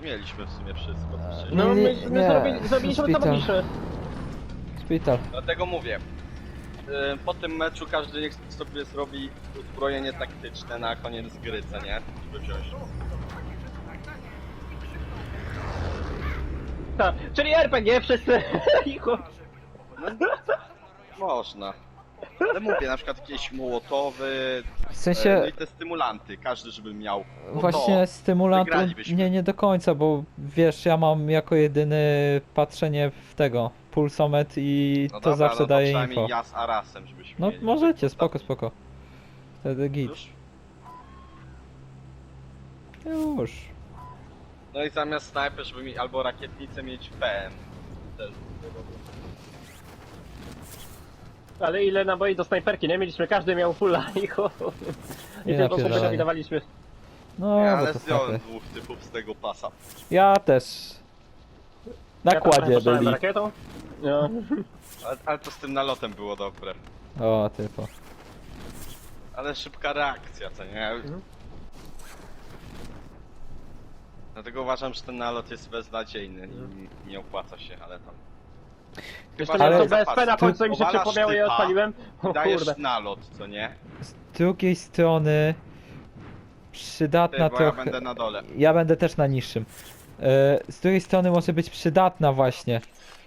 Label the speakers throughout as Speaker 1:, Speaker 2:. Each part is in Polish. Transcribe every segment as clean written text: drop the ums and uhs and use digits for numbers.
Speaker 1: mieliśmy w sumie wszystko, co chcieliśmy.
Speaker 2: No
Speaker 3: Nie,
Speaker 2: my
Speaker 3: nie.
Speaker 2: zrobiliśmy co
Speaker 3: Szpital.
Speaker 2: mogliśmy.
Speaker 3: Szpital.
Speaker 1: Dlatego mówię. Po tym meczu każdy niech sobie zrobi uzbrojenie taktyczne na koniec gry, co nie? Żeby wziąć.
Speaker 2: Tak, czyli RPG wszyscy.
Speaker 1: Można. Ale mówię, na przykład jakieś mołotowy,
Speaker 3: W
Speaker 1: no
Speaker 3: sensie,
Speaker 1: i te stymulanty, każdy żeby miał. No
Speaker 3: właśnie stymulantu
Speaker 1: wygralibyśmy.
Speaker 3: nie do końca, bo wiesz, ja mam jako jedyny patrzenie w tego, pulsomet i
Speaker 1: No
Speaker 3: to
Speaker 1: dobra,
Speaker 3: zawsze
Speaker 1: no to
Speaker 3: daje
Speaker 1: przynajmniej
Speaker 3: info.
Speaker 1: ja z Arasem, żebyśmy
Speaker 3: No
Speaker 1: mieli.
Speaker 3: możecie, spoko, spoko. Wtedy git.
Speaker 1: Już?
Speaker 3: Już.
Speaker 1: No i zamiast snajper, żeby mi albo rakietnicę mieć PM. Też by było dobre.
Speaker 2: Ale ile naboi do snajperki, nie? Mieliśmy, każdy miał fulla i chuj. I
Speaker 3: Nie
Speaker 2: tylko sobie
Speaker 3: napierdalaj.
Speaker 2: dawaliśmy.
Speaker 3: No,
Speaker 1: Ja,
Speaker 3: bo
Speaker 1: ale
Speaker 3: to
Speaker 1: zdjąłem
Speaker 3: snajper.
Speaker 1: dwóch typów z tego pasa.
Speaker 3: Ja też. Na
Speaker 2: Ja tam trochę
Speaker 3: kładzie
Speaker 2: poszalałem
Speaker 3: byli.
Speaker 2: rakietą. No.
Speaker 1: Ale to z tym nalotem było dobre.
Speaker 3: O, typo.
Speaker 1: Ale szybka reakcja, co nie?
Speaker 2: Mhm.
Speaker 1: Dlatego uważam, że ten nalot jest beznadziejny i nie opłaca się, ale tam.
Speaker 2: Jeszcze
Speaker 1: Chyba,
Speaker 2: nie,
Speaker 1: że
Speaker 2: to BSP na końcu mi się
Speaker 1: powalasz
Speaker 2: przypomniało i
Speaker 1: typa,
Speaker 2: odpaliłem. O
Speaker 1: dajesz
Speaker 2: kurde.
Speaker 1: nalot, co nie?
Speaker 3: Z drugiej strony przydatna
Speaker 1: Ty, bo ja
Speaker 3: trochę.
Speaker 1: będę na dole.
Speaker 3: Ja będę też na niższym. Z drugiej strony może być przydatna właśnie.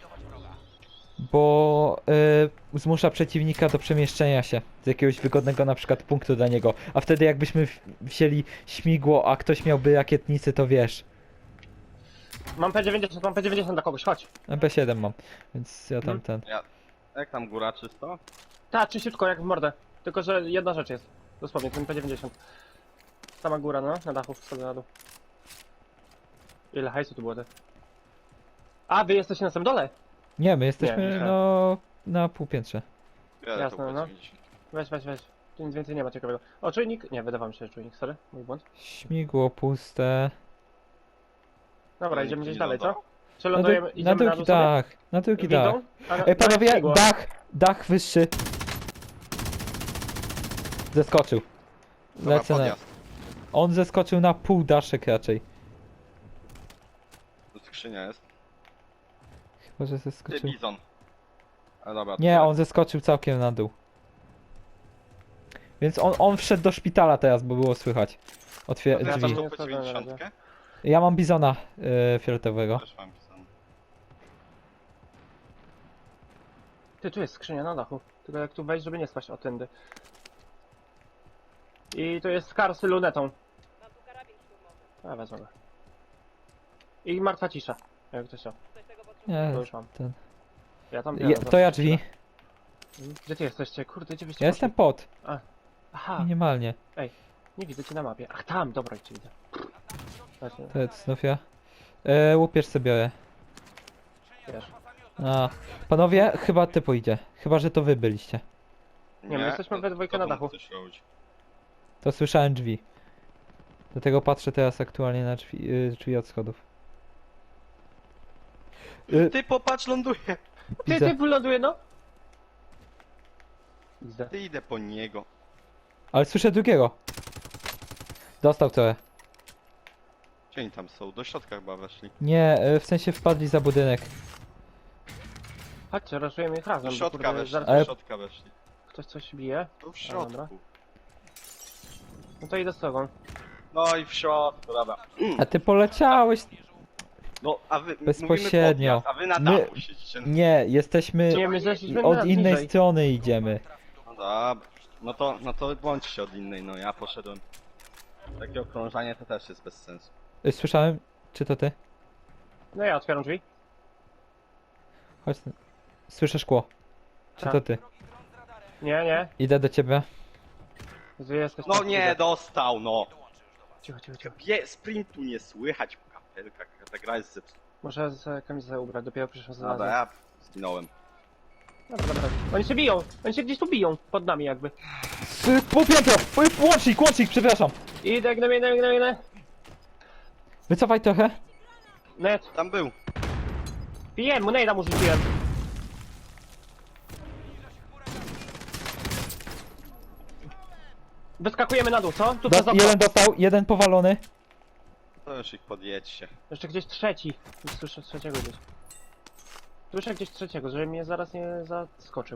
Speaker 3: Bo zmusza przeciwnika do przemieszczenia się z jakiegoś wygodnego na przykład punktu dla niego. A wtedy jakbyśmy wzięli śmigło, a ktoś miałby rakietnicy, to wiesz.
Speaker 2: Mam P90 dla kogoś, chodź.
Speaker 3: MP7 mam, więc ja tam ten.
Speaker 1: Jak tam góra czysto?
Speaker 2: Tak, czyściutko jak w mordę. Tylko, że jedna rzecz jest. Dosłownie, ten P90. Sama góra, no, na dachu, sobie na dół. Ile hajsu tu było te? A, wy jesteście na samym dole?
Speaker 3: Nie, my jesteśmy
Speaker 2: myślałem.
Speaker 3: no na półpiętrze.
Speaker 1: Wiele
Speaker 2: Jasne,
Speaker 1: to
Speaker 2: no.
Speaker 1: P90.
Speaker 2: Weź. Tu nic więcej nie ma ciekawego. O, czujnik? Nie, wydawało mi się, że czujnik, sorry, mój błąd.
Speaker 3: Śmigło puste.
Speaker 2: Dobra,
Speaker 1: Ale
Speaker 2: idziemy
Speaker 1: nikt
Speaker 2: gdzieś
Speaker 1: nie
Speaker 2: dalej, co?
Speaker 1: lądował?
Speaker 2: Czy
Speaker 3: Na,
Speaker 2: lądujemy,
Speaker 3: na
Speaker 2: idziemy na
Speaker 3: drugi
Speaker 2: dół sobie?
Speaker 3: dach, na drugi dach.
Speaker 2: Widzą? Ale-
Speaker 3: Ej panowie,
Speaker 2: śmigło.
Speaker 3: dach wyższy. Zeskoczył.
Speaker 1: Dobra,
Speaker 3: Lecę na...
Speaker 1: podjazd.
Speaker 3: On zeskoczył na pół daszek raczej.
Speaker 1: Tu skrzynia jest.
Speaker 3: Chyba, że
Speaker 1: Ty,
Speaker 3: zeskoczył.
Speaker 1: bizon. A dobra. to
Speaker 3: Nie,
Speaker 1: tyle.
Speaker 3: on zeskoczył całkiem na dół. Więc on wszedł do szpitala teraz, bo było słychać.
Speaker 1: Ja
Speaker 2: Ja
Speaker 3: Drzwi.
Speaker 2: tam
Speaker 1: tam
Speaker 2: nie
Speaker 1: P90?
Speaker 3: Ja mam bizona fioletowego.
Speaker 1: Też mam bizon.
Speaker 2: Ty, tu jest skrzynia na dachu. Tylko jak tu wejść, żeby nie spaść o tędy. I to jest skar z lunetą.
Speaker 4: Mam tu karabin szturmowy.
Speaker 2: A, wezmę go. I martwa cisza. Jak ktoś chciał.
Speaker 4: Ktoś tego potrzebuje.
Speaker 3: Nie,
Speaker 2: To już mam.
Speaker 3: ten.
Speaker 2: Ja tam
Speaker 3: To ja drzwi.
Speaker 2: Gdzie ty jesteście? Kurde, gdzie byście
Speaker 3: Ja jestem
Speaker 2: poszli?
Speaker 3: pod.
Speaker 2: Aha,
Speaker 3: Minimalnie.
Speaker 2: nie widzę cię na mapie. Ach, tam, dobra, cię widzę. Właśnie,
Speaker 3: To jest znów ja. Łupież sobie biorę.
Speaker 2: wiesz.
Speaker 3: A. Panowie, chyba ty pójdzie. Chyba, że to wy byliście.
Speaker 2: Nie, my jesteśmy we dwójkę na dachu.
Speaker 3: To słyszałem drzwi. Dlatego patrzę teraz aktualnie na drzwi od schodów.
Speaker 1: Ty popatrz, ląduje!
Speaker 3: Widzę.
Speaker 2: Ty wyląduje, no! Widzę.
Speaker 1: Ty idę po niego.
Speaker 3: Ale słyszę drugiego. Dostał trochę.
Speaker 1: Gdzie oni tam są? Do środka chyba weszli.
Speaker 3: Nie, w sensie wpadli za budynek.
Speaker 2: Chodźcie, raszujemy ich razem,
Speaker 1: Do
Speaker 2: bo
Speaker 1: środka
Speaker 2: kurde,
Speaker 1: weszli,
Speaker 2: zaraz
Speaker 3: Ale-
Speaker 1: do środka weszli.
Speaker 2: ktoś coś bije.
Speaker 1: Tu w
Speaker 2: dobra.
Speaker 1: środku.
Speaker 2: No to idę z tobą.
Speaker 1: No i w środku, dobra.
Speaker 3: A ty poleciałeś.
Speaker 1: No, a wy
Speaker 3: Bezpośrednio.
Speaker 1: mówimy podjazd, a wy na
Speaker 3: My-
Speaker 1: dachu siedzicie.
Speaker 3: Nie, jesteśmy
Speaker 2: Nie, my zeszliśmy
Speaker 3: od
Speaker 2: na
Speaker 3: innej
Speaker 2: niżej.
Speaker 3: strony idziemy.
Speaker 1: No dobra. No to bądźcie od innej, no ja poszedłem. Takie okrążanie to też jest bez sensu.
Speaker 3: Słyszałem? Czy to ty?
Speaker 2: No ja otwieram drzwi.
Speaker 3: Chodź. Słyszę szkło. Czy
Speaker 2: Tak.
Speaker 3: to ty?
Speaker 2: Nie.
Speaker 3: Idę do ciebie.
Speaker 2: Gdzie jesteś?
Speaker 1: No nie, dostał, no.
Speaker 2: Cicho.
Speaker 1: Sprintu nie słychać po kapelkach, ta gra jest zepsuta.
Speaker 2: Muszę z kamizę ubrać, dopiero przyszłam za
Speaker 1: Dobra, ja zginąłem.
Speaker 2: Dobra. Oni się biją! Oni się gdzieś tu biją, pod nami jakby.
Speaker 3: Półpiętro! Łącznik, przepraszam!
Speaker 2: Idę, gnę.
Speaker 3: Wycofaj trochę.
Speaker 2: Net.
Speaker 1: Tam był.
Speaker 2: Pijem, mu nejda mu rzuciłem. Wyskakujemy na dół, co? Tu przez okno.
Speaker 3: Jeden dostał, jeden powalony.
Speaker 1: To już ich podjedźcie.
Speaker 2: Jeszcze gdzieś trzeci. Słyszę trzeciego gdzieś. Słyszę gdzieś trzeciego, żeby mnie zaraz nie zaskoczył.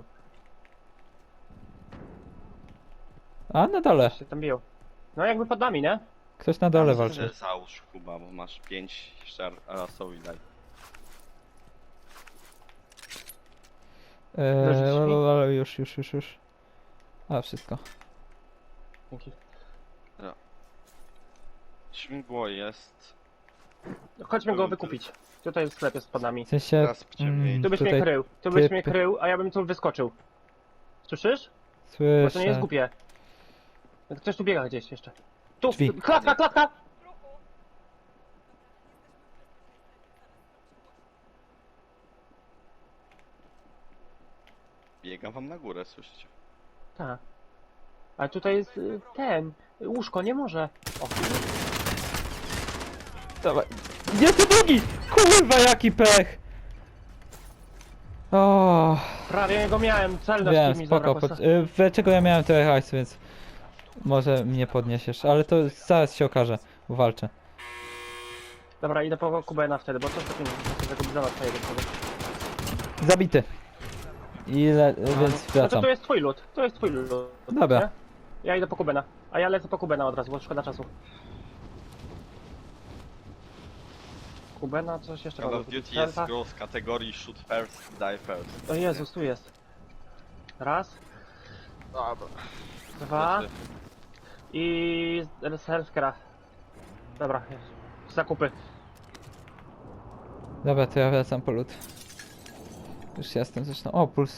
Speaker 3: A, na dole.
Speaker 2: Się tam biją. No jakby pod nami, nie?
Speaker 3: Ktoś na dole walczy.
Speaker 1: Załóż chyba, bo masz 5 jeszcze rasowi daj.
Speaker 3: Ale już. A, wszystko.
Speaker 2: Dzięki.
Speaker 1: Śmigło jest.
Speaker 2: Chodźmy go wykupić. Tutaj sklep jest pod nami.
Speaker 3: W sensie...
Speaker 1: Teraz ciemniej.
Speaker 2: Tu byś mnie
Speaker 3: tutaj
Speaker 2: krył. Tu byś
Speaker 3: typy.
Speaker 2: mnie krył, a ja bym tu wyskoczył. Słyszysz? Bo to nie jest
Speaker 3: Słyszę.
Speaker 2: głupie. Ktoś tu biega gdzieś jeszcze. Tu!
Speaker 3: Drzwi.
Speaker 2: Klatka!
Speaker 4: W ruchu.
Speaker 1: Biegam wam na górę, słyszycie?
Speaker 2: Tak. Ale tutaj jest ten. Łóżko, nie może. O,
Speaker 3: Dawaj. Jest tu drugi! Kurwa, jaki pech! O,
Speaker 2: prawie go miałem. Celność
Speaker 3: wiem,
Speaker 2: mi
Speaker 3: spoko.
Speaker 2: zabrakło.
Speaker 3: Dlaczego ja miałem trochę hajsu, więc... Może mnie podniesiesz, ale to zaraz się okaże. Walczę.
Speaker 2: Dobra, idę po Kubena wtedy, bo coś takiego tego bizona twojego wtedy.
Speaker 3: Zabity. Ile, więc
Speaker 2: No to
Speaker 3: wracam.
Speaker 2: tu jest twój lód. To jest twój lód.
Speaker 3: Dobra.
Speaker 2: nie? Ja idę po Kubena. A ja lecę po Kubena od razu, bo szkoda czasu. Kubena, coś jeszcze
Speaker 1: Call
Speaker 2: mogę
Speaker 1: of
Speaker 2: kupić.
Speaker 1: Duty jest
Speaker 2: Selfa?
Speaker 1: grą z kategorii shoot first, die first.
Speaker 2: O Jezus, tu jest. Raz,
Speaker 1: Dobra.
Speaker 2: dwa i selfkera. Dobra, zakupy.
Speaker 3: Dobra, to ja wracam po lód. Już jestem zresztą. O, puls.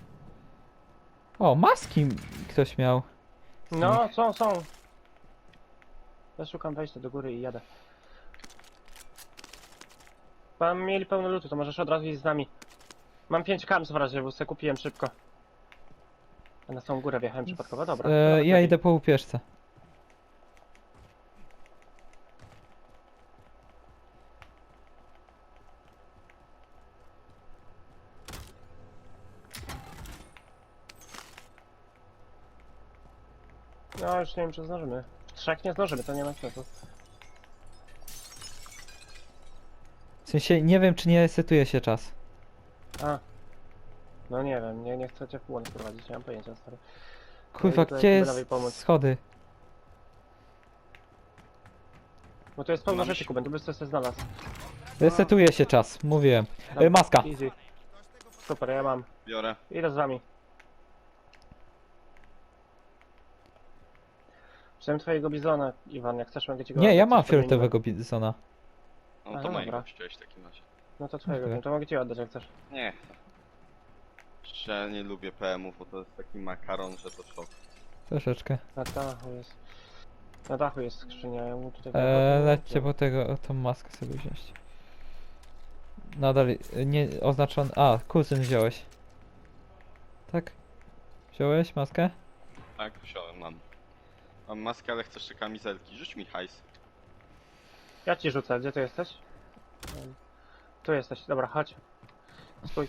Speaker 3: O, maski ktoś miał.
Speaker 2: No, są. Ja szukam wejścia do góry i jadę. Pan mieli pełno lutu, to możesz od razu iść z nami. Mam 5 kams w razie, bo sobie kupiłem szybko. A na tą górę wjechałem przypadkowo, dobra.
Speaker 3: Ja
Speaker 2: lepiej.
Speaker 3: idę po łupieżce.
Speaker 2: No już nie wiem, czy zdążymy. W 3 nie zdążymy, to nie ma sensu.
Speaker 3: W sensie nie wiem, czy nie setuje się czas.
Speaker 2: A. No nie wiem, nie chcę cię w błąd wprowadzić, nie mam pojęcia, stary.
Speaker 3: Kurwa,
Speaker 2: idę
Speaker 3: gdzie
Speaker 2: Kubenowi
Speaker 3: jest
Speaker 2: pomóc.
Speaker 3: schody?
Speaker 2: Bo to jest pełno
Speaker 1: Mam
Speaker 2: rzeczy,
Speaker 1: się-
Speaker 2: Kuben, tu byś coś znalazł.
Speaker 3: Resetuje się czas, mówiłem.
Speaker 2: Dobra,
Speaker 3: Maska.
Speaker 2: Easy. Super, ja mam.
Speaker 1: Biorę.
Speaker 2: Idę z wami. Wziąłem twojego bizona, Iwan, jak chcesz mogę ci go
Speaker 3: Nie, ja
Speaker 2: oddać,
Speaker 3: mam
Speaker 2: to wymienimy.
Speaker 3: fioletowego bizona.
Speaker 1: No
Speaker 2: Aha,
Speaker 1: to mojego
Speaker 2: dobra.
Speaker 1: chciałeś w takim razie.
Speaker 2: No to twojego,
Speaker 3: Okej.
Speaker 2: to mogę ci oddać jak chcesz.
Speaker 1: Nie. Jeszcze nie lubię PM-ów, bo to jest taki makaron, że to szok.
Speaker 3: Troszeczkę.
Speaker 2: Na dachu jest. Na dachu jest skrzynia, ja mu tutaj...
Speaker 3: Lećcie po tego, tą maskę sobie wziąć. Nadal nie oznaczony. A, kuzyn wziąłeś. Tak? Wziąłeś maskę?
Speaker 1: Tak, wziąłem, mam. Mam maskę, ale chcę jeszcze kamizelki. Rzuć mi hajs.
Speaker 2: Ja ci rzucę, gdzie ty jesteś? Tu jesteś, dobra, chodź. Stój.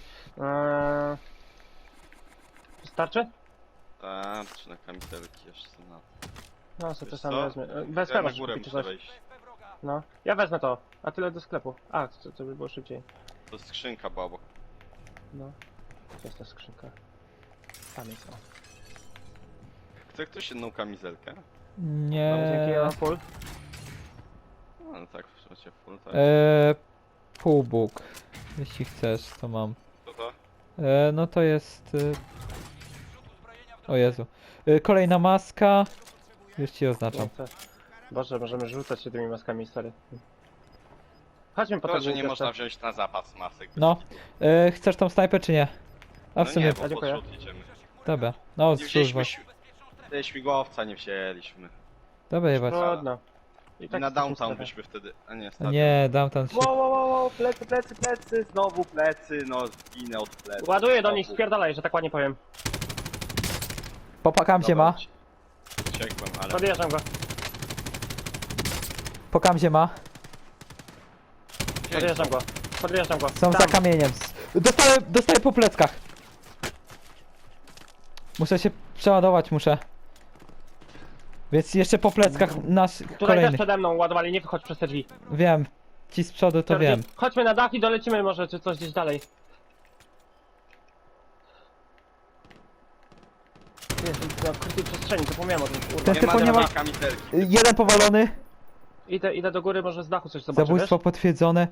Speaker 2: Wystarczy?
Speaker 1: Tak, czy na kamizelki jeszcze na...
Speaker 2: No, sobie to
Speaker 1: Wiesz
Speaker 2: sam
Speaker 1: co?
Speaker 2: wezmę. Bez
Speaker 1: Ja na
Speaker 2: pewa
Speaker 1: górę
Speaker 2: kupić
Speaker 1: muszę
Speaker 2: coś.
Speaker 1: wejść.
Speaker 2: No, ja wezmę to, a tyle do sklepu. A, to by było szybciej.
Speaker 1: To skrzynka była obok.
Speaker 2: No. To jest ta skrzynka. Tam jest, o.
Speaker 1: Chce ktoś jedną kamizelkę?
Speaker 2: Mam dzięki, ja
Speaker 3: Nie.
Speaker 2: mam full.
Speaker 1: No tak, w sumie full, tak.
Speaker 3: Półbóg. Jeśli chcesz, to mam.
Speaker 1: Co to?
Speaker 3: No to jest... O Jezu. Kolejna maska. Już ci oznaczam.
Speaker 2: No to... Boże, możemy rzucać się tymi maskami, stary. Chodźmy po
Speaker 1: To,
Speaker 2: tego
Speaker 1: że nie
Speaker 2: jeszcze.
Speaker 1: można wziąć na zapas masek.
Speaker 3: No. Chcesz tą snajpę czy nie? A w
Speaker 1: No
Speaker 3: sumie...
Speaker 1: nie, bo
Speaker 2: A, dziękuję.
Speaker 1: pod rzut idziemy.
Speaker 3: Dobra. No,
Speaker 1: Nie
Speaker 3: zrzuć
Speaker 1: wzięliśmy
Speaker 3: was.
Speaker 1: śmigłowca, nie wzięliśmy.
Speaker 3: Dobra, jebać.
Speaker 2: Trudno.
Speaker 1: I
Speaker 2: tak
Speaker 1: na
Speaker 2: jesteśmy
Speaker 1: downtown
Speaker 2: sklepem.
Speaker 1: byśmy wtedy... A nie,
Speaker 3: A
Speaker 1: stadion.
Speaker 3: nie, dam tam się...
Speaker 1: Wow, plecy, znowu plecy, no zginę od plecy.
Speaker 2: Ładuję do
Speaker 1: Znowu.
Speaker 2: nich, spierdalaj, że tak ładnie powiem.
Speaker 3: Popakam się
Speaker 1: Dobra,
Speaker 3: ma.
Speaker 1: Uciekłem, ale...
Speaker 2: Podjeżdżam go.
Speaker 3: Pokam się ma.
Speaker 2: Podjeżdżam go. Podjeżdżam go.
Speaker 3: Są
Speaker 2: Tam.
Speaker 3: za kamieniem. Dostaję po pleckach. Muszę się przeładować, muszę. Więc jeszcze po pleckach nasz
Speaker 2: Tutaj
Speaker 3: kolejny.
Speaker 2: też przede mną ładowali, nie wychodź przez te drzwi.
Speaker 3: Wiem. Ci z przodu to wiem.
Speaker 2: Chodźmy na dach i dolecimy może, czy coś gdzieś dalej. Jestem na ukrytej przestrzeni, zapomniałem o tym, kurwa.
Speaker 3: Ten
Speaker 1: Nie
Speaker 3: typo
Speaker 1: ma
Speaker 3: nie ma...
Speaker 1: dynamika miterki.
Speaker 3: Jeden powalony.
Speaker 2: Idę do góry, może z dachu coś zobaczę,
Speaker 3: Zabójstwo
Speaker 2: wiesz?
Speaker 3: potwierdzone.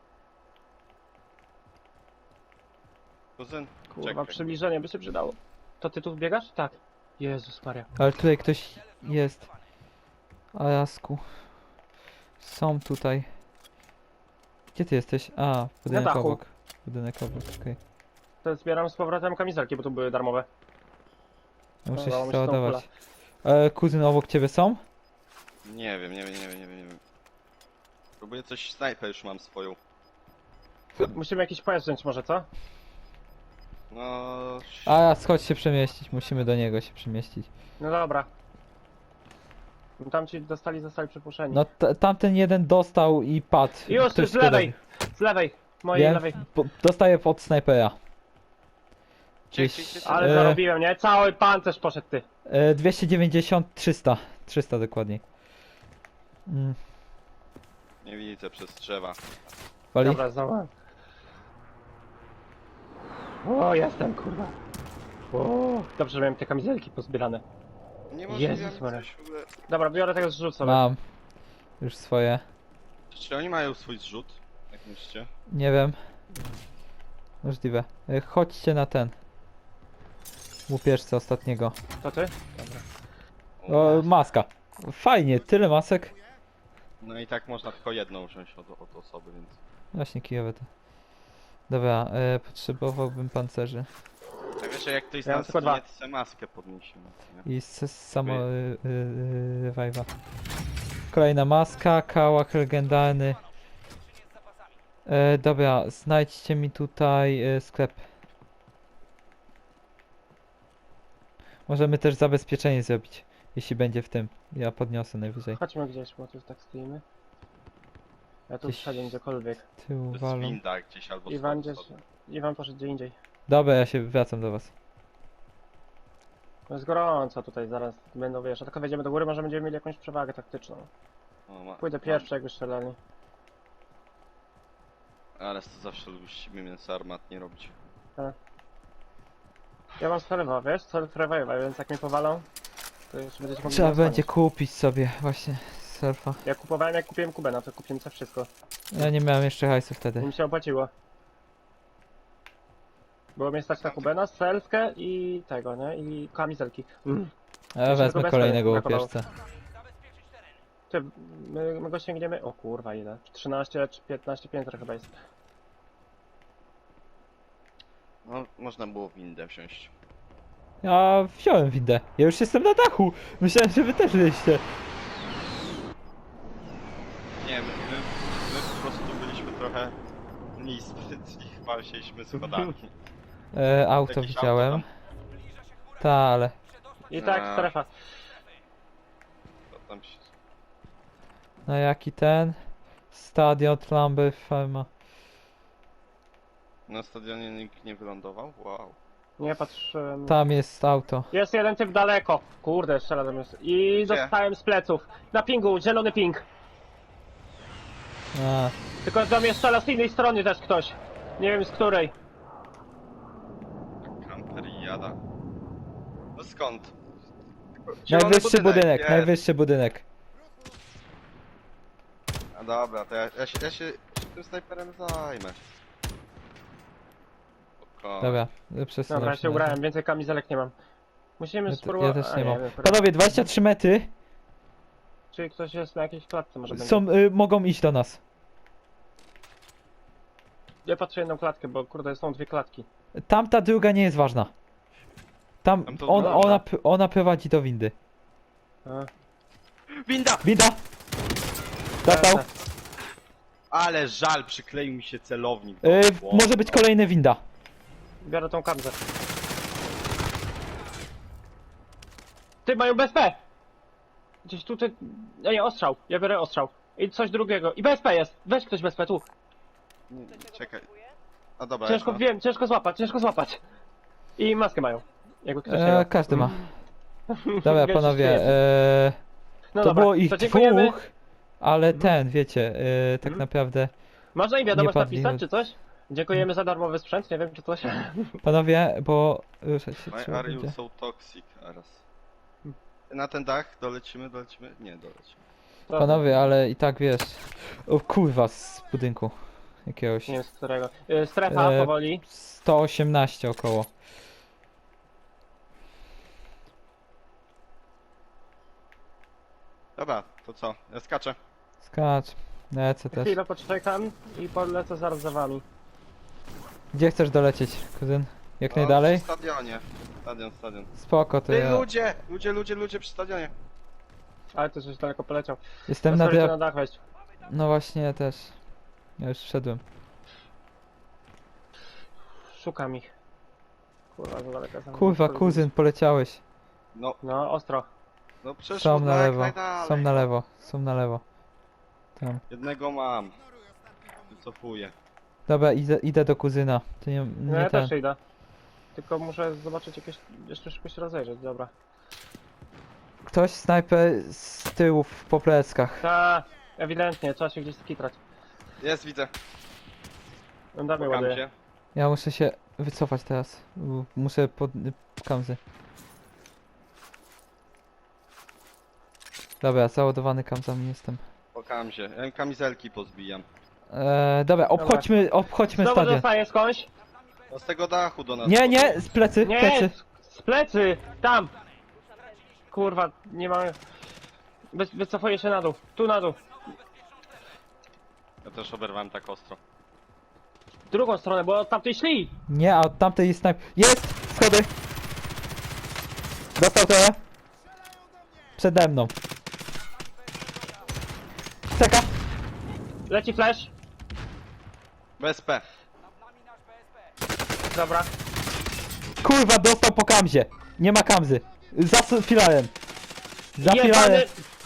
Speaker 1: Kuzyn,
Speaker 2: Kurwa,
Speaker 1: czekaj.
Speaker 2: przybliżenie by się przydało. To ty tu biegasz? Tak. Jezus Maria.
Speaker 3: Ale tutaj ktoś jest. Alasku. Są tutaj. Gdzie ty jesteś? A, budynek
Speaker 2: dachu.
Speaker 3: obok. Budynek obok, okej.
Speaker 2: To zbieram z powrotem kamizelki, bo tu były darmowe.
Speaker 3: Muszę
Speaker 2: Dobra,
Speaker 3: się
Speaker 2: mi się
Speaker 3: załadować. Kuzyn obok ciebie są?
Speaker 1: Nie wiem. Próbuję coś, snajper już mam swoją.
Speaker 2: Musimy jakiś pojazd wziąć może, co?
Speaker 1: No...
Speaker 3: A, chodź się przemieścić. Musimy do niego się przemieścić.
Speaker 2: No dobra. Tamci zostali przypuszczeni.
Speaker 3: No tamten jeden dostał i padł.
Speaker 2: Już,
Speaker 3: Ktoś
Speaker 2: z lewej! Z lewej! Mojej
Speaker 3: Wiem,
Speaker 2: lewej.
Speaker 3: dostaję pod snajpera.
Speaker 1: Gdzieś,
Speaker 2: Ale zarobiłem, nie? Cały pancerz poszedł ty.
Speaker 3: 290, 300. 300 dokładniej.
Speaker 1: Nie widzę przez drzewa.
Speaker 3: Wali?
Speaker 2: Dobra, znowu. O, jestem, kurwa. O, dobrze, że miałem te kamizelki pozbierane.
Speaker 1: Nie
Speaker 2: Jezus
Speaker 1: możliwe
Speaker 2: Maria.
Speaker 1: coś w ogóle...
Speaker 2: Dobra, biorę tego zrzut sobie.
Speaker 3: Mam. Już swoje.
Speaker 1: Czy oni mają swój zrzut? Jak myślicie?
Speaker 3: Nie wiem. Możliwe. Chodźcie na ten. Łupieżce ostatniego.
Speaker 2: To ty?
Speaker 3: O, maska. Fajnie, tyle masek.
Speaker 1: No i tak można tylko jedną wziąć od osoby, więc...
Speaker 3: Właśnie kijowe to. Dobra, potrzebowałbym pancerzy.
Speaker 1: A wiesz, że jak ktoś z
Speaker 2: Ja mam
Speaker 1: nas
Speaker 2: tylko dwa.
Speaker 1: zginie, to sobie maskę podniesiemy, nie?
Speaker 3: I samo revive'a. Kolejna maska, kałach legendarny. Dobra, znajdźcie mi tutaj sklep. Możemy też zabezpieczenie zrobić, jeśli będzie w tym. Ja podniosę najwyżej.
Speaker 2: Chodźmy gdzieś, bo tu tak stoimy. Ja tu
Speaker 3: Gdzieś-
Speaker 2: wszedłem gdziekolwiek.
Speaker 3: Tyłu
Speaker 1: To jest
Speaker 3: walą.
Speaker 1: winda gdzieś albo
Speaker 2: Iwan
Speaker 1: schody
Speaker 2: gdzieś...
Speaker 1: sobie.
Speaker 2: Iwan poszedł gdzie indziej.
Speaker 3: Dobra, ja się wracam do was.
Speaker 2: No jest gorąco tutaj, zaraz będą, wiesz, a tylko wejdziemy do góry, może będziemy mieli jakąś przewagę taktyczną. Pójdę pierwszy, jak już strzelali.
Speaker 1: Ale to zawsze musimy mięso armatnie robić.
Speaker 2: Ja mam strewa, wiesz, strewa, więc jak mnie powalą, to jeszcze będziecie mogli
Speaker 3: Trzeba
Speaker 2: mnie
Speaker 3: będzie
Speaker 2: osłonić.
Speaker 3: kupić sobie właśnie surfa.
Speaker 2: Ja kupowałem, jak kupiłem Kubę, no to kupiłem sobie wszystko.
Speaker 3: Ja nie miałem jeszcze hajsu
Speaker 2: I
Speaker 3: wtedy.
Speaker 2: mi się opłaciło. Było mnie stać na Kubena, strzelkę i tego, nie? I kamizelki.
Speaker 3: Ja wezmę
Speaker 2: bez
Speaker 3: kolejnego
Speaker 2: tego brakowało.
Speaker 3: łupieżcę.
Speaker 2: Ty, my go sięgniemy... O kurwa, ile? 13 czy 15 piętro chyba jest.
Speaker 1: No, można było windę wziąć.
Speaker 3: Ja wziąłem windę. Ja już jestem na dachu. Myślałem, że wy też byliście.
Speaker 1: Nie, my po prostu byliśmy trochę mniej sprytni, chyba wzięliśmy schodami.
Speaker 3: Auto
Speaker 1: Jakieś
Speaker 3: widziałem.
Speaker 1: auto
Speaker 3: Ta, ale...
Speaker 2: I tak,
Speaker 1: A.
Speaker 2: strefa.
Speaker 1: To tam się...
Speaker 3: No jaki ten? Stadion Lamby Farma.
Speaker 1: Na stadionie nikt nie wylądował? Wow.
Speaker 2: Nie patrz...
Speaker 3: Tam jest auto.
Speaker 2: Jest jeden typ daleko. Kurde, strzela do mnie. I
Speaker 1: Gdzie?
Speaker 2: dostałem z pleców. Na pingu, zielony ping.
Speaker 3: A,
Speaker 2: Tylko do mnie strzela z innej strony też ktoś. Nie wiem z której.
Speaker 1: Kamper i jada. No skąd? Zielony
Speaker 3: najwyższy budynek,
Speaker 1: jest.
Speaker 3: najwyższy budynek.
Speaker 1: A dobra, to ja się tym snajperem zajmę. Spokojnie.
Speaker 3: Dobra, przesunę
Speaker 2: Dobra, ja się
Speaker 3: na
Speaker 2: ubrałem, więcej kamizelek nie mam. Musimy
Speaker 3: Ja
Speaker 2: spróbować...
Speaker 3: też
Speaker 2: a,
Speaker 3: nie mam.
Speaker 2: wiem, kurwa.
Speaker 3: Panowie, 23 metry
Speaker 2: Czyli ktoś jest na jakiejś klatce może będzie.
Speaker 3: są, mogą iść do nas.
Speaker 2: Ja patrzę jedną klatkę, bo kurde są dwie klatki.
Speaker 3: Tamta druga nie jest ważna. Tam,
Speaker 1: Tam to
Speaker 3: ona,
Speaker 1: ważna.
Speaker 3: ona prowadzi do windy.
Speaker 2: A,
Speaker 1: Winda!
Speaker 3: Winda! Dostał.
Speaker 1: Ale żal, przykleił mi się celownik. do głowy.
Speaker 3: Może być kolejny winda.
Speaker 2: Biorę tą kamzę. Ty, mają BSP! Gdzieś tutaj... Nie, ostrzał. Ja biorę ostrzał. I coś drugiego. I BSP jest! Weź ktoś BSP, tu.
Speaker 1: Nie, czekaj. A dobra,
Speaker 2: Ciężko,
Speaker 1: ja
Speaker 2: wiem, ciężko złapać. I maskę mają. Jakby ktoś nie miał.
Speaker 3: Każdy ma. Dobra,
Speaker 2: Wiesz,
Speaker 3: panowie,
Speaker 2: że No
Speaker 3: To
Speaker 2: dobra,
Speaker 3: było ich
Speaker 2: to dziękujemy.
Speaker 3: dwóch, ale
Speaker 2: Mhm.
Speaker 3: ten, wiecie, tak
Speaker 2: Mhm.
Speaker 3: naprawdę.
Speaker 2: Można im wiadomość
Speaker 3: Nie padli.
Speaker 2: napisać, czy coś? Dziękujemy za darmowy sprzęt, nie wiem, czy coś.
Speaker 3: Panowie, bo ruszać się
Speaker 1: Why
Speaker 3: trzeba
Speaker 1: are you
Speaker 3: będzie.
Speaker 1: so toxic, Aras? Na ten dach dolecimy? Nie, dolecimy.
Speaker 2: To,
Speaker 3: Panowie, ale i tak wiesz. O kurwa, z budynku jakiegoś.
Speaker 2: Nie wiem z którego. Strefa
Speaker 3: E,
Speaker 2: powoli.
Speaker 3: 118 około.
Speaker 1: Dobra, to co? Ja skaczę.
Speaker 3: Skacz. Lecę też.
Speaker 2: Chwilę poczekam i polecę zaraz za wami.
Speaker 3: Gdzie chcesz dolecieć, kuzyn? Jak
Speaker 1: O,
Speaker 3: najdalej?
Speaker 1: Przy stadionie. Stadion.
Speaker 3: Spoko, to
Speaker 1: Ty
Speaker 3: ja
Speaker 1: ludzie przy stadionie.
Speaker 2: Ale to coś daleko poleciał.
Speaker 3: jestem na
Speaker 2: Pozwólcie
Speaker 3: dia...
Speaker 2: na dach wejść.
Speaker 3: No właśnie, ja też. Ja już wszedłem.
Speaker 2: Szukam ich. Kurwa, za daleko. za mną.
Speaker 3: Kurwa, kuzyn, poleciałeś.
Speaker 1: No,
Speaker 2: No, ostro.
Speaker 1: no przeszło
Speaker 3: Są na
Speaker 1: jak
Speaker 3: lewo,
Speaker 1: najdalej.
Speaker 3: są na lewo, są na lewo. Tam.
Speaker 1: Jednego mam. Wycofuję.
Speaker 3: Dobra, idę do kuzyna. To nie,
Speaker 2: No
Speaker 3: nie
Speaker 2: ja
Speaker 3: ten.
Speaker 2: też idę. Tylko muszę zobaczyć jakieś... jeszcze szybko się rozejrzeć, dobra.
Speaker 3: Ktoś snajper z tyłów po pleckach.
Speaker 2: Ta, ewidentnie, trzeba się gdzieś skitrać.
Speaker 1: Jest, widzę.
Speaker 2: No damy
Speaker 1: Pokam
Speaker 2: ładuję.
Speaker 1: się.
Speaker 3: Ja muszę się wycofać teraz. Muszę pod kamzy. Dobra, załadowany kamzami jestem.
Speaker 1: Pokam się. Ja kamizelki pozbijam.
Speaker 3: Dobra, obchodźmy
Speaker 2: Znowu
Speaker 3: stadion.
Speaker 2: dostaję skądś?
Speaker 1: No z tego dachu do nas.
Speaker 3: Nie, nie,
Speaker 1: podchodzą.
Speaker 3: z plecy,
Speaker 2: Nie,
Speaker 3: plecy.
Speaker 2: z plecy! Tam! Kurwa, nie mamy... Wycofuję się na dół. Tu na dół.
Speaker 1: Ja też oberwałem tak ostro.
Speaker 2: W drugą stronę, bo od tamtej szli!
Speaker 3: Nie, a od tamtej jest snajper. Jest! Schody! Dostał trochę. Przede mną. Czeka.
Speaker 2: Leci flash.
Speaker 1: BSP.
Speaker 2: Dobra.
Speaker 3: Kurwa, dostał po kamzie. Nie ma kamzy. Za filarem. Za
Speaker 2: Jebany...
Speaker 3: filarem.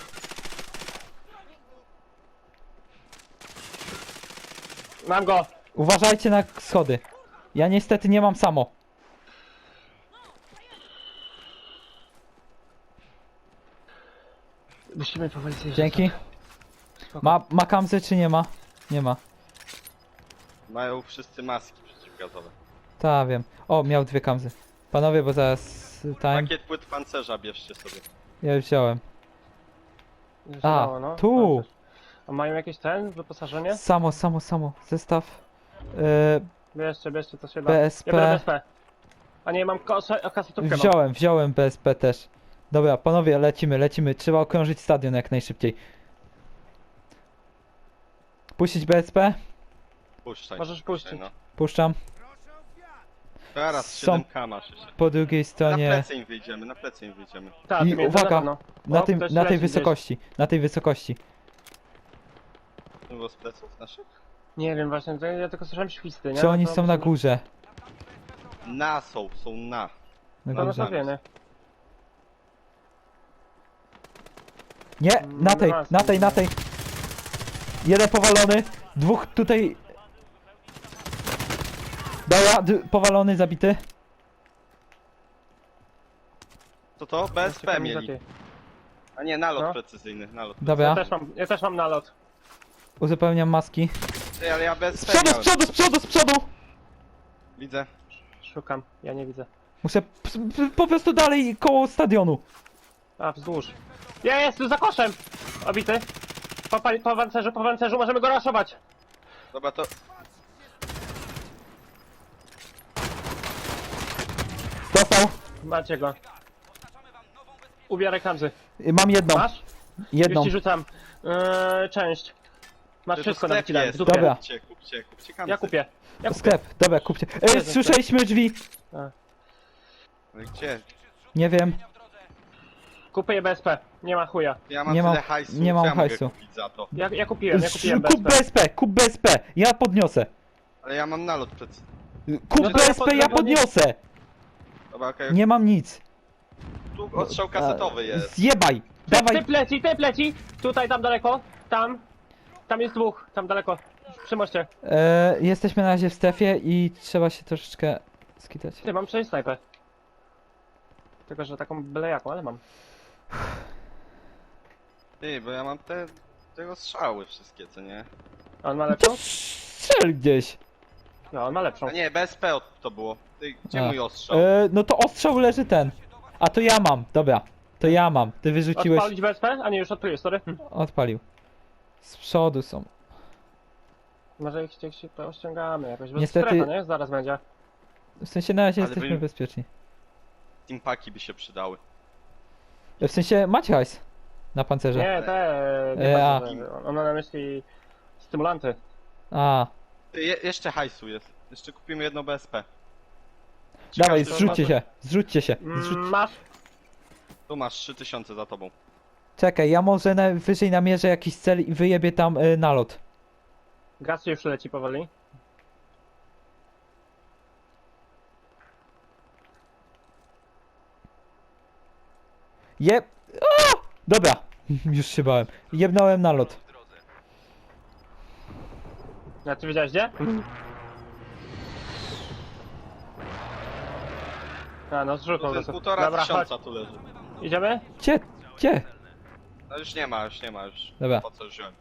Speaker 2: Mam go.
Speaker 3: Uważajcie na schody. Ja niestety nie mam samo.
Speaker 2: Musimy powoli zjeżdżać.
Speaker 3: Dzięki.
Speaker 2: Spoko.
Speaker 3: Ma kamzy czy nie ma? Nie ma.
Speaker 1: Mają wszyscy maski przeciwgazowe.
Speaker 3: Ta wiem. O, miał dwie kamzy. Panowie, bo zaraz time.
Speaker 1: Pakiet płyt pancerza bierzcie sobie.
Speaker 3: Ja już wziąłem.
Speaker 2: Zjeżdżało,
Speaker 3: A,
Speaker 2: no.
Speaker 3: tu.
Speaker 2: No, też. A mają jakieś wyposażenie?
Speaker 3: Samo. Zestaw.
Speaker 2: Bierzcie co się da.
Speaker 3: BSP.
Speaker 2: Ja biorę BSP. A nie, mam kasetówkę.
Speaker 3: Wziąłem BSP też. Dobra, panowie, lecimy. Trzeba okrążyć stadion jak najszybciej. Puścić BSP?
Speaker 1: Puszczaj.
Speaker 2: Możesz
Speaker 1: puszczaj,
Speaker 2: puścić.
Speaker 1: No.
Speaker 3: Puszczam.
Speaker 1: Teraz
Speaker 3: Są-
Speaker 1: 7K masz jeszcze.
Speaker 3: Po drugiej
Speaker 1: Na
Speaker 3: stronie.
Speaker 1: plecy im wyjdziemy,
Speaker 2: Tak,
Speaker 3: I uwaga, Na,
Speaker 2: O,
Speaker 3: tym,
Speaker 2: ktoś
Speaker 3: na tej
Speaker 2: leci gdzieś.
Speaker 3: wysokości. Na tej wysokości.
Speaker 1: To było z pleców naszych?
Speaker 2: Nie wiem właśnie, to ja tylko słyszałem świsty, nie?
Speaker 3: Czy oni
Speaker 2: To
Speaker 3: są na
Speaker 2: może-
Speaker 3: górze?
Speaker 1: Są na.
Speaker 3: Na
Speaker 2: To
Speaker 3: górze.
Speaker 2: na wiemy.
Speaker 3: Nie, na tej. Jeden powalony. Dwóch tutaj. Dobra, powalony, zabity.
Speaker 1: Co to? BSP mieli.
Speaker 2: Lepiej.
Speaker 1: A nie, nalot
Speaker 2: No.
Speaker 1: precyzyjny, nalot.
Speaker 3: Dobra,
Speaker 2: Ja też mam nalot.
Speaker 3: uzupełniam maski.
Speaker 1: Ej, ale ja
Speaker 3: Z
Speaker 1: BSP
Speaker 3: przodu,
Speaker 1: miałem.
Speaker 3: z przodu!
Speaker 1: Widzę.
Speaker 2: Szukam, ja nie widzę.
Speaker 3: Muszę po prostu dalej koło stadionu.
Speaker 2: A, wzdłuż. Jest, tu za koszem! Obity. Po pancerzu, możemy go raszować.
Speaker 1: Dobra, to...
Speaker 3: Dostał.
Speaker 2: Macie go. Ubieraj kamzy.
Speaker 3: Mam jedną.
Speaker 2: Masz?
Speaker 3: Jedną.
Speaker 2: Już ci rzucam. Część. Masz
Speaker 1: to
Speaker 2: wszystko
Speaker 1: sklep
Speaker 2: na dole.
Speaker 1: jest.
Speaker 2: W dupie.
Speaker 3: Dobra.
Speaker 1: Kupcie kamcy.
Speaker 2: Ja kupię.
Speaker 3: Sklep, dobra, kupcie.
Speaker 2: Jezu,
Speaker 3: Słyszeliśmy drzwi.
Speaker 1: Ale gdzie?
Speaker 3: Nie wiem.
Speaker 2: Kupuję BSP. Nie ma chuja.
Speaker 1: Ja mam
Speaker 3: Nie mam-
Speaker 1: tyle hajsu,
Speaker 3: nie mam
Speaker 1: co ja mogę
Speaker 3: hajsu.
Speaker 1: kupić za to.
Speaker 2: Ja kupiłem
Speaker 3: Kup
Speaker 2: BSP.
Speaker 3: kup BSP. Ja podniosę.
Speaker 1: Ale ja mam nalot przed...
Speaker 3: Kup
Speaker 2: No to ja
Speaker 3: BSP, ja podniosę.
Speaker 1: Dobra, okej.
Speaker 3: Nie mam nic.
Speaker 1: Tu ostrzał kasetowy jest.
Speaker 3: Zjebaj. Dawaj.
Speaker 2: Typ leci. Tutaj, tam daleko. Tam. Tam jest dwóch. Tam daleko. Przy moście.
Speaker 3: Jesteśmy na razie w strefie i trzeba się troszeczkę skitać.
Speaker 2: Ty, mam 6 snajpę. Tylko, że taką byle jaką, ale mam.
Speaker 1: Ty, bo ja mam te strzały wszystkie, co nie?
Speaker 2: A on ma
Speaker 3: To
Speaker 2: lepszą?
Speaker 3: strzel gdzieś.
Speaker 2: No, on ma lepszą.
Speaker 1: A nie, BSP to było. Ty, gdzie
Speaker 3: A.
Speaker 1: mój ostrzał?
Speaker 3: No to ostrzał leży ten. A to ja mam, dobra. To ja mam. Ty wyrzuciłeś.
Speaker 2: Odpalić BSP? A nie, już odpaliłeś, sorry.
Speaker 3: Odpalił. Z przodu są.
Speaker 2: Może ich się to ściągamy jakoś, bo
Speaker 3: Niestety-
Speaker 2: strefa, nie? Zaraz będzie.
Speaker 3: W sensie na razie
Speaker 1: Ale
Speaker 3: jesteśmy
Speaker 1: wy-
Speaker 3: bezpieczni.
Speaker 1: Teampaki by się przydały.
Speaker 3: W sensie macie hajs na pancerze.
Speaker 2: Nie, nie
Speaker 3: a.
Speaker 2: bardzo. On ma na myśli stymulanty.
Speaker 3: A,
Speaker 1: Ty, jeszcze hajsu jest. Jeszcze kupimy jedno BSP.
Speaker 3: dawaj,
Speaker 1: Każdy-
Speaker 3: zrzućcie się.
Speaker 2: Masz?
Speaker 1: Tu masz 3000 za tobą.
Speaker 3: Czekaj, ja może wyżej namierzę jakiś cel i wyjebię tam nalot.
Speaker 2: Gaz już leci powoli.
Speaker 3: Jeb... A! Dobra, już się bałem. Jebnąłem nalot.
Speaker 2: A ty wiedziałeś gdzie? A no zrzut po
Speaker 1: To jest
Speaker 2: prostu.
Speaker 1: 1500 tu leży.
Speaker 2: Idziemy?
Speaker 3: Gdzie?
Speaker 1: No już nie ma, już.
Speaker 3: Dobra.
Speaker 1: Po co wziąłem?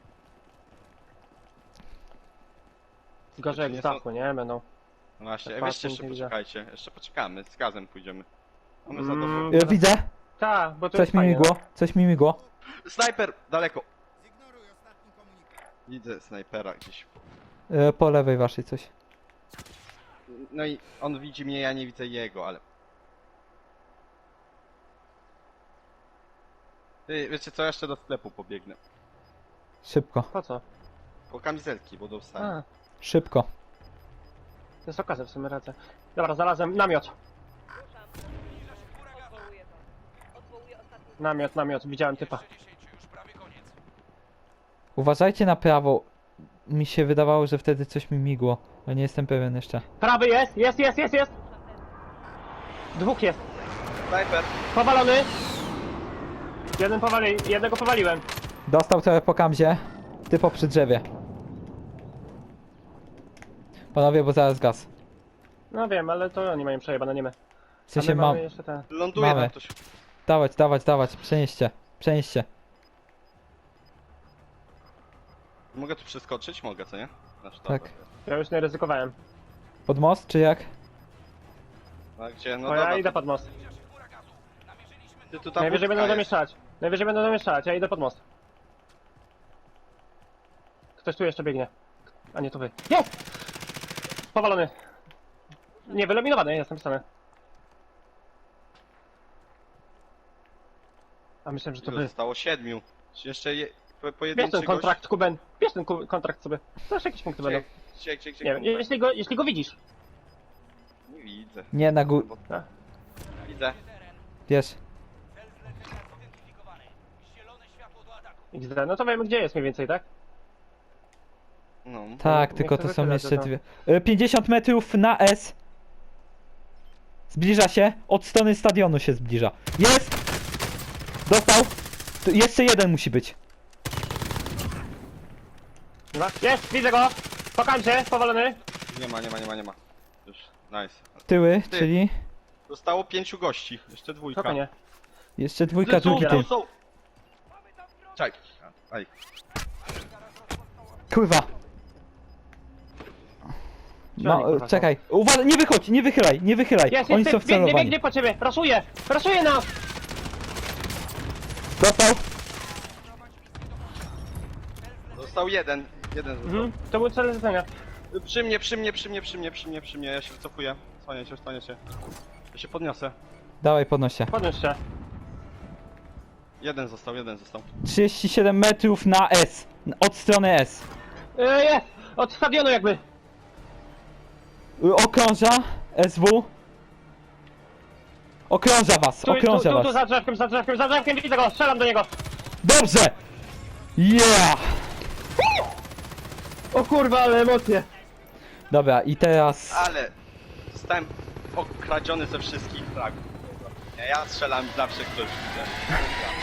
Speaker 2: Gorzej jak
Speaker 1: nie
Speaker 2: z
Speaker 1: są-
Speaker 2: dachu, nie? Będą.
Speaker 1: No właśnie,
Speaker 2: Tak
Speaker 1: weźcie
Speaker 2: patrzę,
Speaker 1: jeszcze
Speaker 2: nie widzę.
Speaker 1: poczekajcie. Jeszcze poczekamy, z gazem pójdziemy. Mamy za
Speaker 2: Mm.
Speaker 1: dobrą.
Speaker 3: Widzę.
Speaker 2: Tak, bo to
Speaker 3: Coś
Speaker 2: jest
Speaker 3: mi
Speaker 2: fajnie,
Speaker 3: migło. Coś mi migło.
Speaker 1: Snajper! Daleko! Widzę snajpera gdzieś.
Speaker 3: Po lewej waszej coś.
Speaker 1: No i on widzi mnie, ja nie widzę jego, ale... Ty, wiecie co, jeszcze do sklepu pobiegnę.
Speaker 3: Szybko.
Speaker 2: No. Po co?
Speaker 1: Po kamizelki, bo dostałem.
Speaker 2: A,
Speaker 3: Szybko.
Speaker 2: to jest okazja w sumie rację. Dobra, znalazłem namiot.
Speaker 4: Ruszam. Odwołuję to. Odwołuję ostatni.
Speaker 2: Namiot, widziałem typa.
Speaker 3: Uważajcie na prawo. Mi się wydawało, że wtedy coś mi migło. Ale nie jestem pewien jeszcze.
Speaker 2: Prawy jest! Dwóch jest.
Speaker 1: Snajper!
Speaker 2: Powalony! Jednego powaliłem.
Speaker 3: Dostał trochę po kamzie. Typo przy drzewie. Panowie, bo zaraz gaz.
Speaker 2: No wiem, ale to oni mają przejebane, nie my.
Speaker 3: W sensie
Speaker 2: A my
Speaker 3: mam.
Speaker 2: mamy jeszcze te...
Speaker 1: Ląduje
Speaker 3: Mamy.
Speaker 1: tam ktoś.
Speaker 3: Dawać. Przenieście.
Speaker 1: Mogę tu przeskoczyć? Mogę, co nie? Na sztabę.
Speaker 3: Tak.
Speaker 2: Ja już nie ryzykowałem.
Speaker 3: Pod most, czy jak?
Speaker 1: A gdzie? No
Speaker 2: Bo
Speaker 1: dobra,
Speaker 2: ja idę
Speaker 1: to
Speaker 2: pod most.
Speaker 1: ty tu ta
Speaker 2: Najwyżej
Speaker 1: budka
Speaker 2: będą
Speaker 1: jest.
Speaker 2: zamieszać. Ja idę pod most. Ktoś tu jeszcze biegnie. A nie, to wy. Jest! Powalony. Nie, wyeliminowany, jestem stany. A myślałem, że to
Speaker 1: Ilu
Speaker 2: wy.
Speaker 1: zostało? 7. Czy jeszcze
Speaker 2: Bierz
Speaker 1: pojedynczy
Speaker 2: ten kontrakt, Kuben. Bierz ten kontrakt sobie. Też jakieś punkty będą.
Speaker 1: Gdzie?
Speaker 2: Nie wiem, jeśli go widzisz.
Speaker 1: Nie widzę.
Speaker 3: Nie, na górę.
Speaker 2: A.
Speaker 1: Widzę.
Speaker 3: Wiesz.
Speaker 2: XD, no to wiemy gdzie jest mniej więcej, tak?
Speaker 1: No.
Speaker 3: Tak,
Speaker 2: niech
Speaker 3: tylko
Speaker 2: to
Speaker 3: to są
Speaker 2: wytyle,
Speaker 3: jeszcze
Speaker 2: to-
Speaker 3: dwie. 50 metrów na S. Zbliża się. Od strony stadionu się zbliża. Jest! Dostał! Tu jeszcze jeden musi być.
Speaker 2: Dobra. Jest, widzę go! Pokam się, powalony.
Speaker 1: Nie ma. Już, nice.
Speaker 3: Tyły,
Speaker 1: Ty.
Speaker 3: czyli
Speaker 1: Zostało 5 gości. Jeszcze dwójka.
Speaker 2: Spokojnie.
Speaker 3: jeszcze dwójka, drugi tym.
Speaker 1: są! Czekaj. Aj.
Speaker 3: Kurwa.
Speaker 2: Gdzie
Speaker 3: No,
Speaker 2: oni, kurwa, są?
Speaker 3: czekaj. Uważaj, nie wychodź, nie wychylaj.
Speaker 2: Jest,
Speaker 3: Oni są
Speaker 2: jest, biegnie
Speaker 3: wcelowani.
Speaker 2: po ciebie! Raszuje nas!
Speaker 3: Dostał.
Speaker 1: Został jeden. Jeden został.
Speaker 2: Mhm, to był cel zlecenia.
Speaker 1: Przy mnie. Ja się wycofuję. Stanie się. Ja się podniosę.
Speaker 3: Dawaj, podnoś się.
Speaker 2: Podnieś się.
Speaker 1: Jeden został.
Speaker 3: 37 metrów na S. Od strony S.
Speaker 2: Jest! Od stadionu jakby.
Speaker 3: Okrąża SW. Okrąża was, okrąża
Speaker 2: Tu,
Speaker 3: was.
Speaker 2: za drzewkiem, widzę go, strzelam do niego.
Speaker 3: Dobrze! Yeah!
Speaker 2: O kurwa, ale emocje.
Speaker 3: Dobra, i teraz...
Speaker 1: Ale zostałem okradziony ze wszystkich fragów. Ja strzelam zawsze ktoś widzę.